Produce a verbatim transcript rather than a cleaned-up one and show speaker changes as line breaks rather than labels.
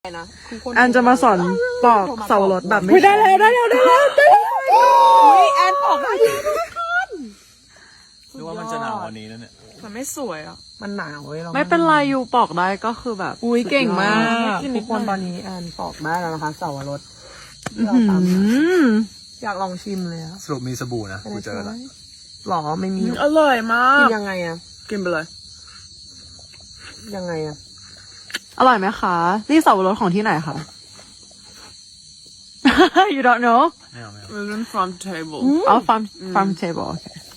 นะ
แอนจะมาสอนปอกเสารถแบบไม่ได้แล้วได้แล้วได้แล้วได้แล้ว
อุ้ยแอนปอกได้แล้ว
หรือว่ามันจะหนาวกว่านี้นั่นเนี่ย
มันไม่สวยอ่ะมันหนาวเว้ยรา
ไม่เป็นไรยูปอกได้ก็คือแบบ
อุ้ยเก่งมาก
ทุ
ทุ
ก
ก
ค
คน น
ต
ต
อ
อน น
นี้
นี้แอนปอกได้แล้วนะคะเสาวรส
อื
เราตามนะ
ม
อยากลองชิมเลยอะ
สรุปมีสบู่นะกูเจอแล้ว
หรอไม่มี
อร่อยมา
กิ
ก
นยังไงอะ
กินไปเลย
ยังไงอะ
อร่อยไหมคะนี่เสารถของที่ไหนคะ you don't know
ไม่เอาไม่เอา
มันเป็น from table
อ๋อ farm farm table โอเค